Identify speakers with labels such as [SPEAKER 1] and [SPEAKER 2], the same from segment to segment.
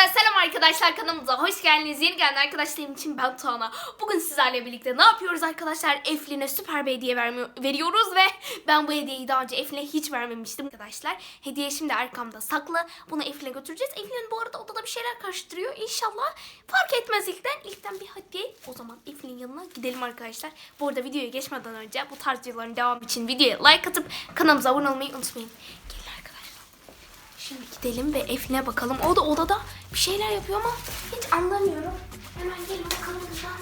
[SPEAKER 1] Hepinize selam arkadaşlar, kanalımıza hoş geldiniz. Yeni gelen arkadaşlarım için ben Tuana. Bugün sizlerle birlikte ne yapıyoruz arkadaşlar? Eflin'e süper bir hediye veriyoruz ve ben bu hediyeyi daha önce Eflin'e hiç vermemiştim arkadaşlar. Hediye şimdi arkamda saklı. Bunu Eflin'e götüreceğiz. Eflin bu arada odada bir şeyler karıştırıyor. İnşallah fark etmez ilkten bir hediye. O zaman Eflin'in yanına gidelim arkadaşlar. Bu arada videoya geçmeden önce bu tarz videoların devamı için videoya like atıp kanalımıza abone olmayı unutmayın. Şimdi gidelim ve Eflin'e bakalım. O da odada bir şeyler yapıyor ama hiç anlamıyorum. Hemen gelin bakalım kızlar.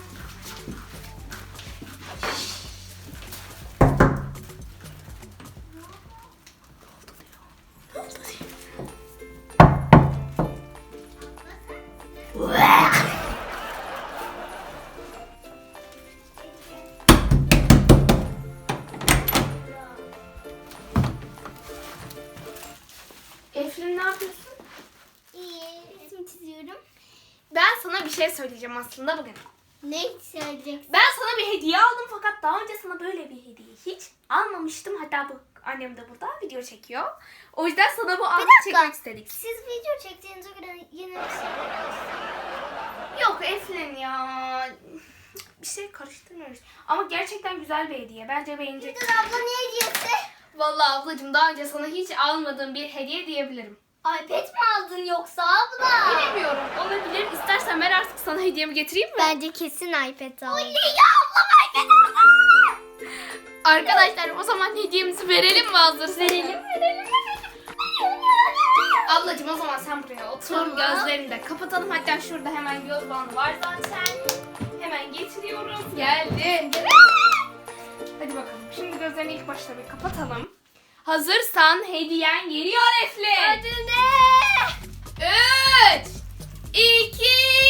[SPEAKER 1] Eflin ne yapıyorsun?
[SPEAKER 2] İyi, resim çiziyorum.
[SPEAKER 1] Ben sana bir şey söyleyeceğim aslında bugün.
[SPEAKER 2] Ne söyleyeceksin?
[SPEAKER 1] Ben sana bir hediye aldım fakat daha önce sana böyle bir hediye hiç almamıştım. Hatta bu annem de burada video çekiyor. O yüzden sana bu anı çekmek istedik.
[SPEAKER 2] Siz video çektiğinize göre yeni bir şey.
[SPEAKER 1] Yok Eflin ya. Bir şey karıştırmıyoruz. Ama gerçekten güzel bir hediye. Bence beğeneceksin.
[SPEAKER 2] Dur abla ne hediyesi?
[SPEAKER 1] Vallahi ablacığım daha önce sana hiç almadığım bir hediye diyebilirim.
[SPEAKER 2] iPad mi aldın yoksa abla?
[SPEAKER 1] Bilemiyorum. Olabilir. İstersen ben artık sana hediyemi getireyim mi?
[SPEAKER 2] Bence kesin iPad aldın.
[SPEAKER 1] Oley ya ablam iPad aldı. Arkadaşlar o zaman hediyemizi verelim mi hazırsan?
[SPEAKER 2] Verelim.
[SPEAKER 1] Ablacığım o zaman sen buraya otur.
[SPEAKER 2] Tamam.
[SPEAKER 1] Gözlerini de kapatalım. Hatta şurada hemen göz bandı var zaten. Hemen getiriyorum. Geldi. Hadi bakalım. Şimdi gözlerini ilk başta bir kapatalım. Hazırsan hediyen geliyor Eflin.
[SPEAKER 2] Hadi ne?
[SPEAKER 1] 3 2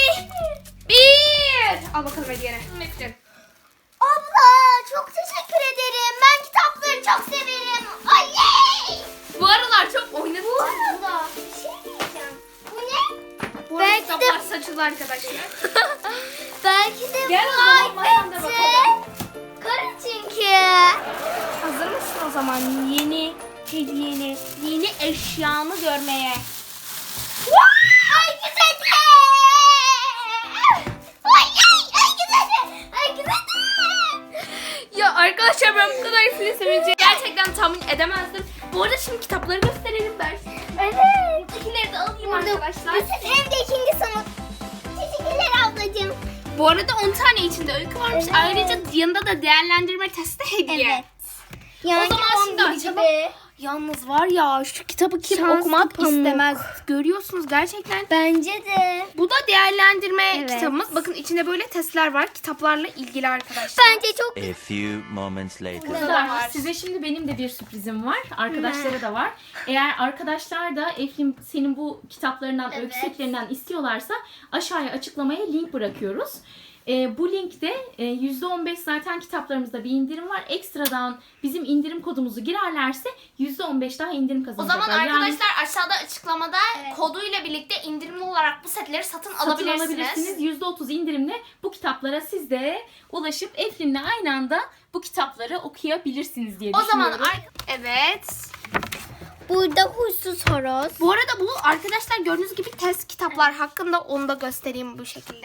[SPEAKER 1] 1 Al bakalım hediyeni. Eflin.
[SPEAKER 2] Abla çok teşekkür ederim. Ben kitapları çok severim. Ay!
[SPEAKER 1] Bu aralar çok oynadık.
[SPEAKER 2] Bu arada bir şey diyeceğim. Bu ne?
[SPEAKER 1] Bu
[SPEAKER 2] belki
[SPEAKER 1] kitaplar saçılı arkadaşlar.
[SPEAKER 2] Belki de
[SPEAKER 1] Gel
[SPEAKER 2] bu
[SPEAKER 1] o zaman, masanda
[SPEAKER 2] iPad'ti.
[SPEAKER 1] bakalım.
[SPEAKER 2] Karı çünkü.
[SPEAKER 1] Hazır mısın o zaman yeni hediyeni, yeni eşyanı görmeye?
[SPEAKER 2] Ay güzel. Ay güzel. Ay güzel.
[SPEAKER 1] Ya arkadaşlar ben bu kadar Eflin'i sevineceğini gerçekten tahmin edemezdim. Bu arada şimdi kitapları gösterelim ben.
[SPEAKER 2] Evet.
[SPEAKER 1] Buradakileri de alayım arkadaşlar.
[SPEAKER 2] Bizim evde ikinci sınıf. Teşekkürler ablacığım.
[SPEAKER 1] Bu arada 10 tane içinde öykü varmış.
[SPEAKER 2] Evet.
[SPEAKER 1] Ayrıca yanında da değerlendirme testi hediye.
[SPEAKER 2] Evet. Yani
[SPEAKER 1] O zaman şimdi
[SPEAKER 2] 11
[SPEAKER 1] açalım.
[SPEAKER 2] gibi.
[SPEAKER 1] Yalnız var ya şu kitabı kim
[SPEAKER 2] Şanslı
[SPEAKER 1] okumak
[SPEAKER 2] pamuk.
[SPEAKER 1] istemez. Görüyorsunuz gerçekten.
[SPEAKER 2] Bence de.
[SPEAKER 1] Bu da değerlendirme
[SPEAKER 2] Evet.
[SPEAKER 1] kitabımız. Bakın içinde böyle testler var. Kitaplarla ilgili arkadaşlar.
[SPEAKER 2] Bence çok
[SPEAKER 3] A few moments later.
[SPEAKER 1] Burada var.
[SPEAKER 4] Size şimdi benim de bir sürprizim var. Arkadaşlara da var. Eğer arkadaşlar da Eflin senin bu kitaplarından,
[SPEAKER 2] Evet.
[SPEAKER 4] öykü setlerinden istiyorlarsa aşağıya açıklamaya link bırakıyoruz. Bu linkte %15 zaten kitaplarımızda bir indirim var. Ekstradan bizim indirim kodumuzu girerlerse %15 daha indirim
[SPEAKER 1] O
[SPEAKER 4] kazanacaklar.
[SPEAKER 1] zaman
[SPEAKER 4] Yani
[SPEAKER 1] arkadaşlar aşağıda açıklamada
[SPEAKER 2] Evet.
[SPEAKER 1] koduyla birlikte indirimli olarak bu setleri satın
[SPEAKER 4] satın
[SPEAKER 1] alabilirsiniz.
[SPEAKER 4] alabilirsiniz. %30 indirimle bu kitaplara siz de ulaşıp Eflin'le aynı anda bu kitapları okuyabilirsiniz diye
[SPEAKER 1] O zaman
[SPEAKER 4] düşünüyorum.
[SPEAKER 1] evet.
[SPEAKER 2] burada huysuz horoz.
[SPEAKER 1] Bu arada bu arkadaşlar gördüğünüz gibi test kitaplar hakkında onu da göstereyim bu şekilde.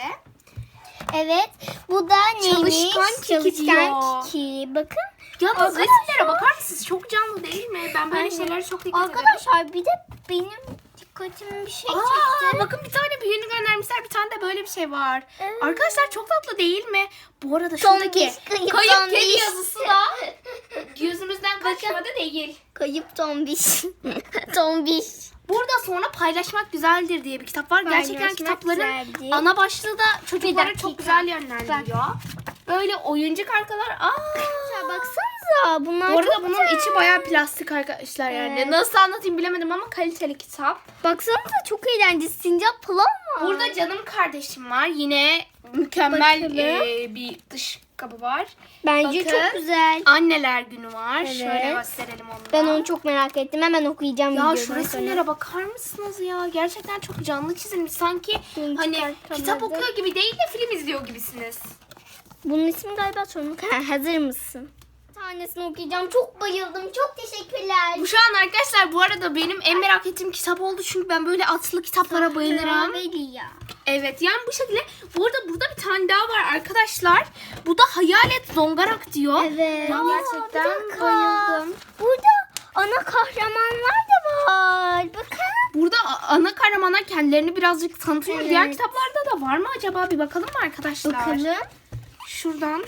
[SPEAKER 2] Evet. Bu da neymiş?
[SPEAKER 1] Çalışkan Kiki diyor.
[SPEAKER 2] Çalışkan Kiki. Bakın.
[SPEAKER 1] Yalnız
[SPEAKER 2] Arkadaşlar-
[SPEAKER 1] resimlere bakar mısınız? Çok canlı değil mi? Ben böyle
[SPEAKER 2] Aynen.
[SPEAKER 1] şeylere çok dikkat ederim.
[SPEAKER 2] Arkadaşlar bir de benim dikkatimi bir şey çekti.
[SPEAKER 1] Bakın bir tane büyüğünü göndermişler. Bir tane de böyle bir şey var.
[SPEAKER 2] Evet.
[SPEAKER 1] Arkadaşlar çok tatlı değil mi? Bu arada
[SPEAKER 2] Tombiş,
[SPEAKER 1] şuradaki
[SPEAKER 2] kayıp
[SPEAKER 1] kayıp
[SPEAKER 2] tombiş.
[SPEAKER 1] kedi yazısı da gözümüzden kaçmadı değil.
[SPEAKER 2] Kayıp tombiş. Tombiş.
[SPEAKER 1] Burada sonra paylaşmak güzeldir diye bir kitap var. Gerçekten
[SPEAKER 2] Paylaşmak
[SPEAKER 1] kitapların
[SPEAKER 2] güzeldir.
[SPEAKER 1] ana başlığı da çocuklara
[SPEAKER 2] Bir
[SPEAKER 1] çok
[SPEAKER 2] dakika.
[SPEAKER 1] güzel yönlendiriyor. Böyle oyuncak arkalar.
[SPEAKER 2] Ya baksanıza bunlar
[SPEAKER 1] Bu arada
[SPEAKER 2] çok
[SPEAKER 1] bunun
[SPEAKER 2] güzel.
[SPEAKER 1] içi bayağı plastik arkadaşlar yani.
[SPEAKER 2] Evet.
[SPEAKER 1] Nasıl anlatayım bilemedim ama kaliteli kitap.
[SPEAKER 2] Baksanıza çok eğlenceli. Sincap falan var.
[SPEAKER 1] Burada canım kardeşim var. Yine mükemmel
[SPEAKER 2] Bakalım.
[SPEAKER 1] bir dış kabı var.
[SPEAKER 2] Bence
[SPEAKER 1] Bakın.
[SPEAKER 2] çok güzel.
[SPEAKER 1] Anneler günü var.
[SPEAKER 2] Evet.
[SPEAKER 1] Şöyle gösterelim onu da.
[SPEAKER 2] Ben onu çok merak ettim. Hemen okuyacağım
[SPEAKER 1] Ya
[SPEAKER 2] videodan
[SPEAKER 1] şu
[SPEAKER 2] sonra.
[SPEAKER 1] resimlere bakar mısınız ya? Gerçekten çok canlı çizilmiş. Sanki
[SPEAKER 2] Şunu
[SPEAKER 1] hani
[SPEAKER 2] çıkartamadım.
[SPEAKER 1] kitap okuyor gibi değil de film izliyor gibisiniz.
[SPEAKER 2] Bunun ismi galiba sorumluluk. Hazır mısın? tanesini okuyacağım. Çok bayıldım. Çok teşekkürler.
[SPEAKER 1] Bu şu an arkadaşlar bu arada benim en merak ettiğim kitap oldu. Çünkü ben böyle atlı kitaplara bayılırım.
[SPEAKER 2] Veliya.
[SPEAKER 1] Evet yani bu şekilde. Bu arada burada bir tane daha var arkadaşlar. Bu da Hayalet Zongarak diyor.
[SPEAKER 2] Evet.
[SPEAKER 1] Ben gerçekten
[SPEAKER 2] bir dakika.
[SPEAKER 1] bayıldım.
[SPEAKER 2] Burada ana kahramanlar da var. Bakın.
[SPEAKER 1] Burada ana kahramanlar kendilerini birazcık tanıtıyor.
[SPEAKER 2] Evet.
[SPEAKER 1] Diğer kitaplarda da var mı acaba? Bir bakalım mı arkadaşlar?
[SPEAKER 2] Bakalım.
[SPEAKER 1] Şuradan.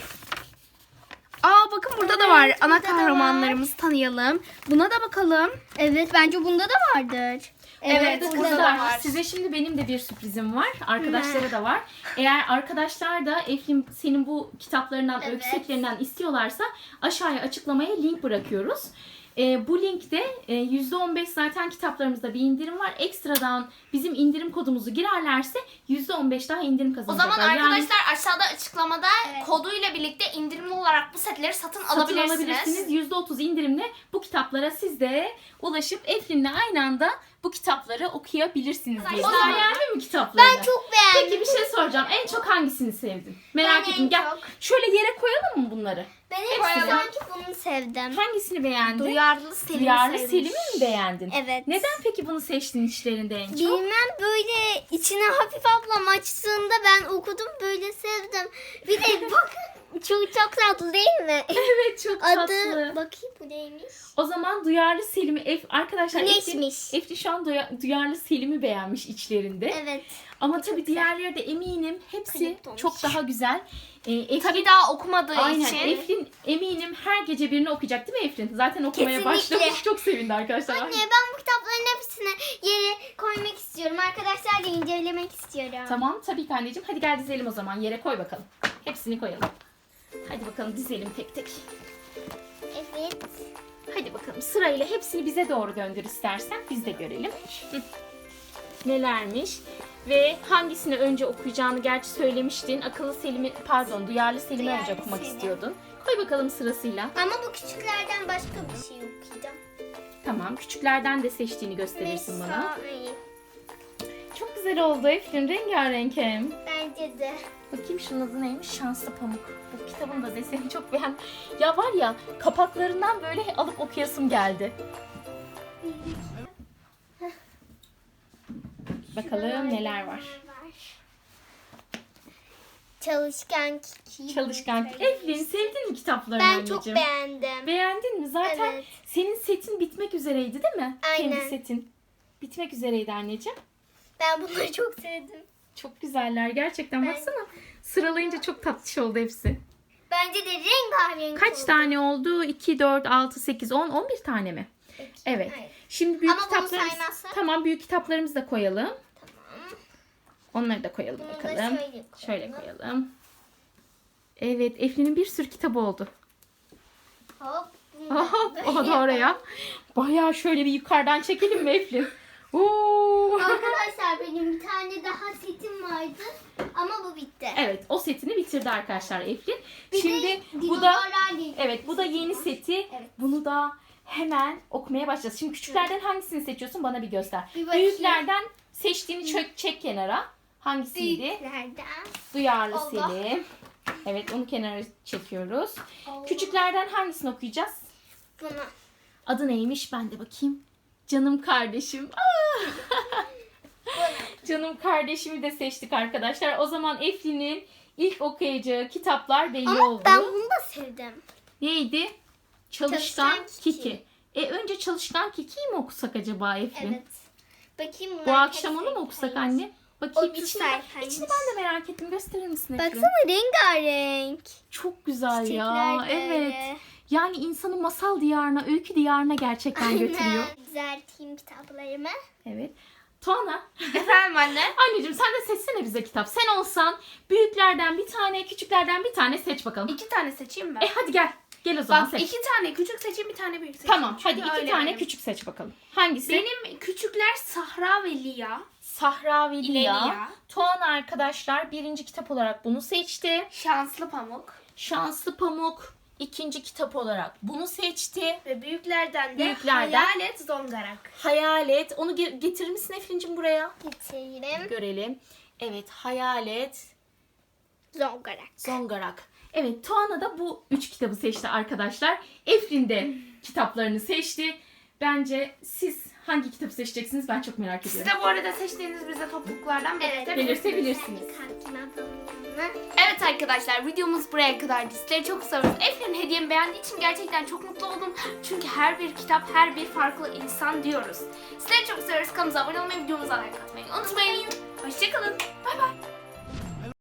[SPEAKER 1] Aa bakın burada da var. Ana
[SPEAKER 2] burada da
[SPEAKER 1] kahramanlarımızı tanıyalım. Buna da bakalım.
[SPEAKER 2] Evet bence bunda da vardır.
[SPEAKER 1] Evet,
[SPEAKER 4] Burada
[SPEAKER 1] burada
[SPEAKER 4] kızlar
[SPEAKER 1] da var.
[SPEAKER 4] size şimdi benim de bir sürprizim var. Arkadaşlara da var. Eğer arkadaşlar da Eflin senin bu kitaplarından,
[SPEAKER 2] Evet.
[SPEAKER 4] öykü setlerinden istiyorlarsa aşağıya açıklamaya link bırakıyoruz. Bu linkte %15 zaten kitaplarımızda bir indirim var. Ekstradan bizim indirim kodumuzu girerlerse %15 daha indirim
[SPEAKER 1] O
[SPEAKER 4] kazanacaklar.
[SPEAKER 1] zaman
[SPEAKER 4] Yani
[SPEAKER 1] arkadaşlar aşağıda açıklamada
[SPEAKER 2] Evet.
[SPEAKER 1] koduyla birlikte indirimli olarak bu setleri satın
[SPEAKER 4] satın
[SPEAKER 1] alabilirsiniz.
[SPEAKER 4] alabilirsiniz. %30 indirimle bu kitaplara siz de ulaşıp Eflin'le aynı anda bu kitapları okuyabilirsiniz diye.
[SPEAKER 1] O zaman-
[SPEAKER 4] Beğendin mi kitaplarını?
[SPEAKER 2] Ben çok beğendim.
[SPEAKER 4] Peki bir şey soracağım. En çok hangisini sevdin? Merak
[SPEAKER 2] Ben
[SPEAKER 4] ettim.
[SPEAKER 2] en
[SPEAKER 4] Gel
[SPEAKER 2] çok-
[SPEAKER 4] şöyle yere koyalım mı bunları?
[SPEAKER 2] Ben
[SPEAKER 4] Hepsini.
[SPEAKER 2] hep sanki bunu sevdim.
[SPEAKER 4] Hangisini beğendin?
[SPEAKER 1] Duyarlı Selim'i
[SPEAKER 4] Duyarlı
[SPEAKER 1] sevmiş.
[SPEAKER 4] Selim'i mi beğendin?
[SPEAKER 2] Evet.
[SPEAKER 4] Neden peki bunu seçtin içlerinde en çok?
[SPEAKER 2] Bilmem böyle içine hafif ablam açtığında ben okudum böyle sevdim. Bir de bakın çok tatlı değil mi?
[SPEAKER 4] Evet çok
[SPEAKER 2] Adı
[SPEAKER 4] tatlı.
[SPEAKER 2] bakayım bu neymiş?
[SPEAKER 4] O zaman Duyarlı Selim'i arkadaşlar
[SPEAKER 2] Güneşmiş.
[SPEAKER 4] Efli şu an Duyarlı Selim'i beğenmiş içlerinde.
[SPEAKER 2] Evet.
[SPEAKER 4] Ama tabii diğerleri de eminim hepsi
[SPEAKER 2] Kayıp olmuş.
[SPEAKER 4] çok daha güzel. Eflin,
[SPEAKER 1] Tabii daha okumadığı
[SPEAKER 4] aynen.
[SPEAKER 1] için.
[SPEAKER 4] Eflin eminim her gece birini okuyacak değil mi Eflin? Zaten okumaya
[SPEAKER 2] Kesinlikle.
[SPEAKER 4] başlamış. Çok sevindi arkadaşlar.
[SPEAKER 2] Anne ben bu kitapların hepsini yere koymak istiyorum. Arkadaşlarla incelemek istiyorum.
[SPEAKER 4] Tamam tabii ki anneciğim. Hadi gel dizelim o zaman. Yere koy bakalım. Hepsini koyalım. Hadi bakalım dizelim tek tek.
[SPEAKER 2] Evet.
[SPEAKER 4] Hadi bakalım sırayla hepsini bize doğru döndür istersen. Biz de görelim. Hı. Nelermiş? Ve hangisini önce okuyacağını gerçi söylemiştin. Akıllı Selim'i, pardon Duyarlı Selim'i
[SPEAKER 2] Duyarlı
[SPEAKER 4] önce okumak
[SPEAKER 2] Selim.
[SPEAKER 4] istiyordun. Koy bakalım sırasıyla.
[SPEAKER 2] Ama bu küçüklerden başka bir şey okuyacağım.
[SPEAKER 4] Tamam. Küçüklerden de seçtiğini gösterirsin bana.
[SPEAKER 2] Mesai.
[SPEAKER 4] Çok güzel oldu Eflin. Rengarenk hem.
[SPEAKER 2] Bence de.
[SPEAKER 4] Bakayım şunun adı neymiş? Şanslı Pamuk. Bu kitabın da deseni çok beğendim. Ya var ya kapaklarından böyle alıp okuyasım geldi. Bakalım neler var.
[SPEAKER 2] Çalışkan Kiki.
[SPEAKER 4] Çalışkan. Eflin sevdin mi kitaplarını
[SPEAKER 2] Ben
[SPEAKER 4] anneciğim?
[SPEAKER 2] çok beğendim.
[SPEAKER 4] Beğendin mi? Zaten
[SPEAKER 2] Evet.
[SPEAKER 4] senin setin bitmek üzereydi değil mi?
[SPEAKER 2] Aynen.
[SPEAKER 4] Kendi setin. Bitmek üzereydi anneciğim.
[SPEAKER 2] Ben bunları çok sevdim.
[SPEAKER 4] Çok güzeller gerçekten.
[SPEAKER 2] Ben-
[SPEAKER 4] Baksana. Sıralayınca çok tatlış oldu hepsi.
[SPEAKER 2] Bence de rengarenk
[SPEAKER 4] Kaç
[SPEAKER 2] oldu.
[SPEAKER 4] tane oldu? 2, 4, 6, 8, 10, 11 tane mi? Evet.
[SPEAKER 2] Hayır.
[SPEAKER 4] Şimdi büyük
[SPEAKER 2] Ama bunu
[SPEAKER 4] kitaplarımız...
[SPEAKER 2] saymazsak?
[SPEAKER 4] Tamam büyük kitaplarımızı da koyalım.
[SPEAKER 2] Tamam.
[SPEAKER 4] Onları da koyalım
[SPEAKER 2] Bunu da
[SPEAKER 4] bakalım. Şöyle koyalım. Evet Eflin'in bir sürü kitabı oldu.
[SPEAKER 2] Hop. bunu da
[SPEAKER 4] Aha,
[SPEAKER 2] böyle
[SPEAKER 4] o da oraya. Bayağı şöyle bir yukarıdan çekelim mi Eflin? Oo.
[SPEAKER 2] Arkadaşlar benim bir tane daha setim vardı ama bu bitti.
[SPEAKER 4] Evet o setini bitirdi arkadaşlar Eflin.
[SPEAKER 2] Bir
[SPEAKER 4] Şimdi
[SPEAKER 2] de
[SPEAKER 4] bu da
[SPEAKER 2] dinozorlar değil.
[SPEAKER 4] evet bu da yeni seti.
[SPEAKER 2] Evet.
[SPEAKER 4] Bunu da hemen okumaya başlayacağız. Şimdi küçüklerden hangisini seçiyorsun bana bir göster.
[SPEAKER 2] Bir bakayım.
[SPEAKER 4] Büyüklerden seçtiğini çek kenara. Hangisiydi?
[SPEAKER 2] Büyüklerden.
[SPEAKER 4] Duyarlı
[SPEAKER 2] Allah.
[SPEAKER 4] Selim. Evet onu kenara çekiyoruz.
[SPEAKER 2] Allah.
[SPEAKER 4] Küçüklerden hangisini okuyacağız?
[SPEAKER 2] Bunu.
[SPEAKER 4] Adı neymiş? Ben de bakayım. Canım kardeşim. Aa! Canım kardeşimi de seçtik arkadaşlar. O zaman Eflin'in ilk okuyacağı kitaplar belli
[SPEAKER 2] Ama
[SPEAKER 4] oldu.
[SPEAKER 2] ben bunu da sevdim.
[SPEAKER 4] Neydi? Çalışkan
[SPEAKER 2] Çalışkan
[SPEAKER 4] Kiki.
[SPEAKER 2] Kiki.
[SPEAKER 4] Önce Çalışkan Kiki'yi mi okusak acaba Eflin?
[SPEAKER 2] Evet. Bakayım
[SPEAKER 4] Bu
[SPEAKER 2] bunlar
[SPEAKER 4] akşam
[SPEAKER 2] hepsi
[SPEAKER 4] onu mu okusak
[SPEAKER 2] hangisi?
[SPEAKER 4] anne? Bakayım
[SPEAKER 2] 30
[SPEAKER 4] içini,
[SPEAKER 2] sayfaymış.
[SPEAKER 4] içini ben de merak ettim. Gösterir misin Eflin?
[SPEAKER 2] Baksana rengarenk.
[SPEAKER 4] Çok güzel
[SPEAKER 2] Çiçekler
[SPEAKER 4] ya.
[SPEAKER 2] de
[SPEAKER 4] Evet.
[SPEAKER 2] öyle.
[SPEAKER 4] Yani insanı masal diyarına, öykü diyarına gerçekten götürüyor.
[SPEAKER 2] Aynen. Düzelteyim kitaplarımı.
[SPEAKER 4] Evet. Tuana.
[SPEAKER 1] Efendim anne?
[SPEAKER 4] Anneciğim sen de seçsene bize kitap. Sen olsan büyüklerden bir tane, küçüklerden bir tane seç bakalım.
[SPEAKER 1] 2 tane seçeyim mi?
[SPEAKER 4] Hadi gel. Gel o zaman
[SPEAKER 1] Bak
[SPEAKER 4] seç.
[SPEAKER 1] 2 tane küçük seçeyim, bir tane büyük seçeyim.
[SPEAKER 4] Tamam hadi
[SPEAKER 1] Çünkü
[SPEAKER 4] 2
[SPEAKER 1] öyle
[SPEAKER 4] tane
[SPEAKER 1] benim.
[SPEAKER 4] küçük seç bakalım. Hangisi?
[SPEAKER 1] Benim küçükler Sahra ve Lia.
[SPEAKER 4] Sahra ve Lia.
[SPEAKER 1] Lia.
[SPEAKER 4] Tuana arkadaşlar birinci kitap olarak bunu seçti.
[SPEAKER 1] Şanslı Pamuk.
[SPEAKER 4] Şanslı Pamuk ikinci kitap olarak bunu seçti.
[SPEAKER 1] Ve büyüklerden de
[SPEAKER 4] Büyüklerden-
[SPEAKER 1] Hayalet Zongarak.
[SPEAKER 4] Hayalet. Onu getirir misin Eflin'cim buraya?
[SPEAKER 2] Getireyim.
[SPEAKER 4] Görelim. Evet Hayalet
[SPEAKER 2] Zongarak.
[SPEAKER 4] Zongarak. Evet, Tuana da bu 3 kitabı seçti arkadaşlar. Eflin de kitaplarını seçti. Bence siz hangi kitabı seçeceksiniz ben çok merak
[SPEAKER 1] Siz
[SPEAKER 4] ediyorum.
[SPEAKER 1] de bu arada seçtiğiniz bize topluluklardan
[SPEAKER 4] Belirtebilirsiniz.
[SPEAKER 1] Evet arkadaşlar, videomuz buraya kadardı. Sizleri çok seviyoruz. Eflin'in hediyemi beğendiği için gerçekten çok mutlu oldum. Çünkü her bir kitap, her bir farklı insan diyoruz. Sizleri çok seviyoruz. Kanalımıza abone olmayı, videomuza like atmayı unutmayın. Hoşçakalın. Bay bay.